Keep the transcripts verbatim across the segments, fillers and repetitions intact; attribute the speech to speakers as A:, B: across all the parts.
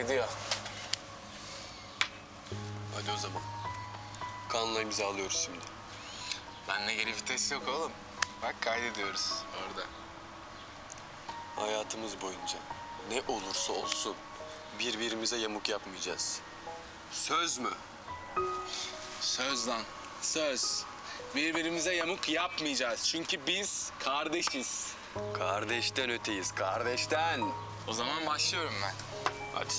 A: Gidiyor.
B: Hadi o zaman. Kanla imzalıyoruz şimdi.
A: Bende geri vites yok oğlum. Bak kaydediyoruz orada.
B: Hayatımız boyunca ne olursa olsun birbirimize yamuk yapmayacağız. Söz mü?
A: Söz lan, söz. Birbirimize yamuk yapmayacağız. Çünkü biz kardeşiz.
B: Kardeşten öteyiz, kardeşten.
A: O zaman başlıyorum ben. Hadi.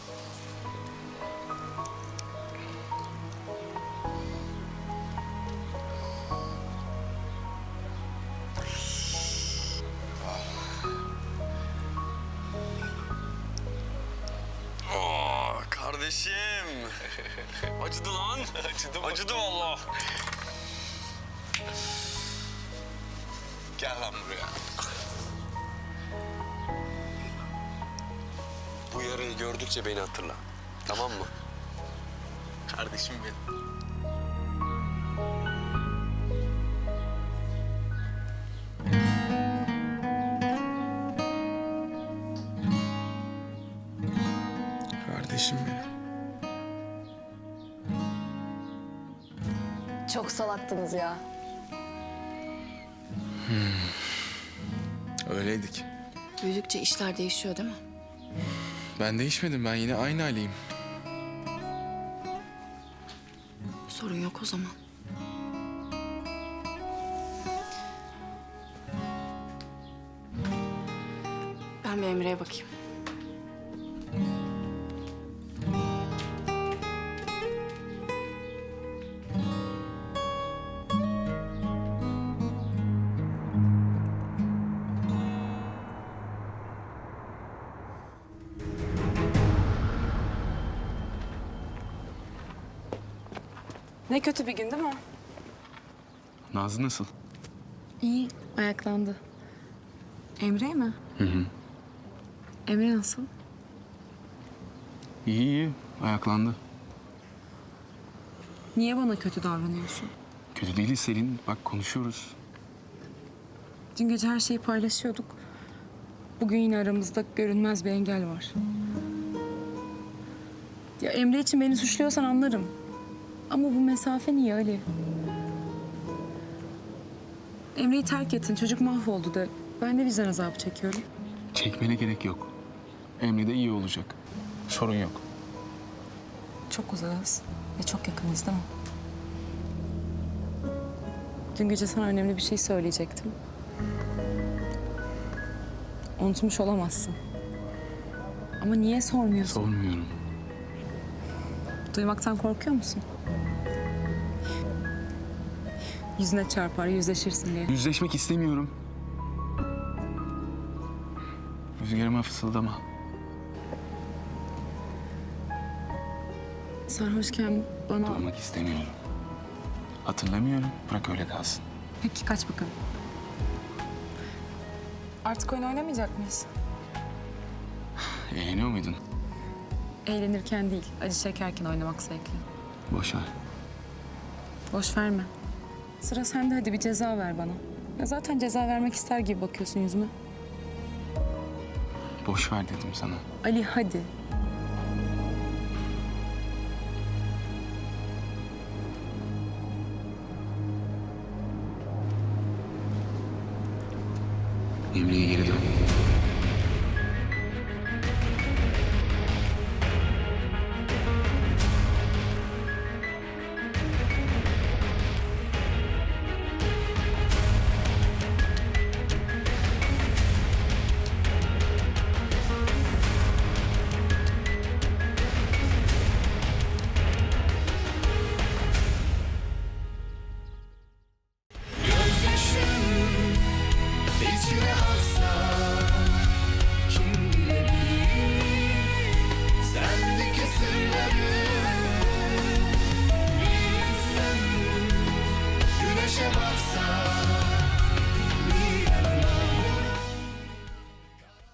B: Aa, kardeşim. Acıdı lan.
A: Acıdı mı?
B: Acıdı vallahi.
A: Gel lan buraya.
B: Bu yarayı gördükçe beni hatırla. Tamam mı?
A: Kardeşim benim. Kardeşim benim.
C: Çok salaktınız ya.
A: Öyleydik.
C: Büyüdükçe işler değişiyor değil mi?
A: Ben değişmedim. Ben yine aynı Ali'yim.
C: Sorun yok o zaman. Ben bir Emre'ye bakayım. Ne kötü bir gün değil mi?
A: Nazlı nasıl?
C: İyi, ayaklandı. Emre mi?
A: Hı hı.
C: Emre nasıl?
A: İyi iyi. Ayaklandı.
C: Niye bana kötü davranıyorsun?
A: Kötü değiliz Selin. Bak konuşuyoruz.
C: Dün gece her şeyi paylaşıyorduk. Bugün yine aramızda görünmez bir engel var. Ya Emre için beni suçluyorsan anlarım. Ama bu mesafe niye Ali? Emre'yi terk ettin, çocuk mahvoldu de. Ben de vicdan azabı çekiyorum.
A: Çekmene gerek yok. Emre de iyi olacak. Sorun yok.
C: Çok uzağız ve çok yakınız değil mi? Dün gece sana önemli bir şey söyleyecektim. Unutmuş olamazsın. Ama niye sormuyorsun?
A: Sormuyorum.
C: Duymaktan korkuyor musun? Yüzüne çarpar, yüzleşirsin diye.
A: Yüzleşmek istemiyorum. Rüzgarıma fısıldama.
C: Sarhoşken bana...
A: Duymak istemiyorum. Hatırlamıyorum. Bırak öyle kalsın.
C: Peki kaç bakalım. Artık oyun oynamayacak mıyız?
A: Eğleniyor muydun?
C: Eğlenirken değil, acı çekerken oynamak zevkli.
A: Boş ver.
C: Boş verme. Sıra sende, hadi bir ceza ver bana. Ya zaten ceza vermek ister gibi bakıyorsun yüzüme.
A: Boş ver dedim sana.
C: Ali hadi.
A: Emre'ye geri dön.